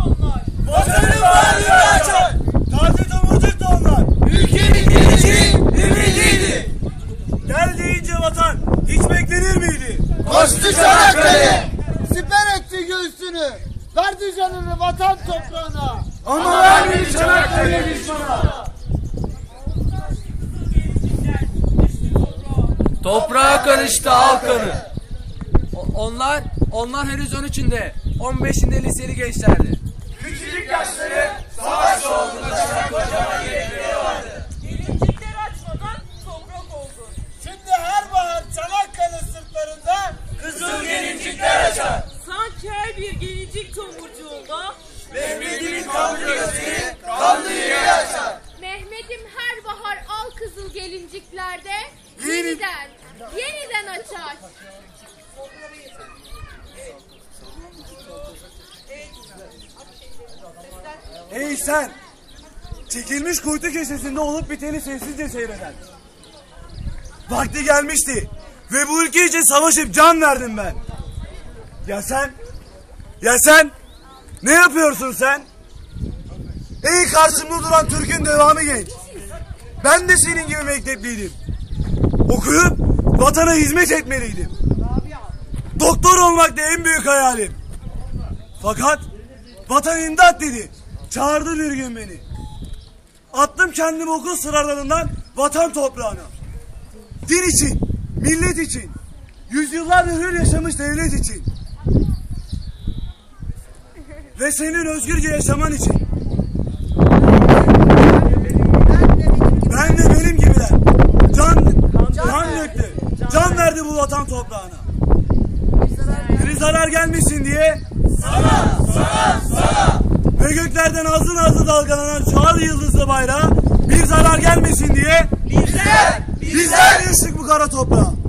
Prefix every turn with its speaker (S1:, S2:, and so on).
S1: onlar.
S2: Vatanın bağrını açar.
S3: Taze tomurcuk da onlar.
S2: Ülkenin geleceği ümidiydi.
S3: Gel deyince vatan hiç beklenir miydi?
S2: Koştu Çanakkale.
S4: Siper etti göğsünü. Verdi canını vatan toprağına.
S3: Ama vermedi Çanakkale düşmana.
S5: Toprağa karıştı al kanı. Onlar henüz 13'ünde, 15'inde liseli gençlerdi.
S2: Küçücük yaşları savaş olduğunda çanak kocaman yürekleri vardı.
S1: Gelincikler açmadan toprak oldu.
S4: Şimdi her bahar Çanakkale sırtlarında
S2: Kızıl gelincikler açar.
S1: Sanki her bir gelincik tomurcuğunda
S2: Mehmet'imin kanlı gözleri kanlı yüreği açar.
S6: Mehmet'im her bahar al kızıl gelinciklerde yeniden açar.
S3: Ey sen! Çekilmiş kuytu köşesinde olup biteni sessizce seyreden. Vakti gelmişti ve bu ülke için savaşıp can verdim ben. Ya sen? Ya sen? Ne yapıyorsun sen? Ey karşımda duran Türk'ün devamı genç. Ben de senin gibi mektepliydim. Okuyup vatana hizmet etmeliydim. Doktor olmak da en büyük hayalim. Fakat vatan imdat dedi. Çağırdı bir gün beni. Attım kendimi okul sıralarından vatan toprağına. Din için, millet için, yüzyıllardır hür yaşamış devlet için. Ve senin özgürce yaşaman için. Ben de benim gibiler. Can döktü. Can verdi bu vatan toprağına. Bir zarar gelmesin diye
S2: Sana.
S3: ve göklerden azı nazlı dalgalanan çağır yıldızlı bayrağı bir zarar gelmesin diye
S2: Bizler
S3: düştük bu kara toprağa.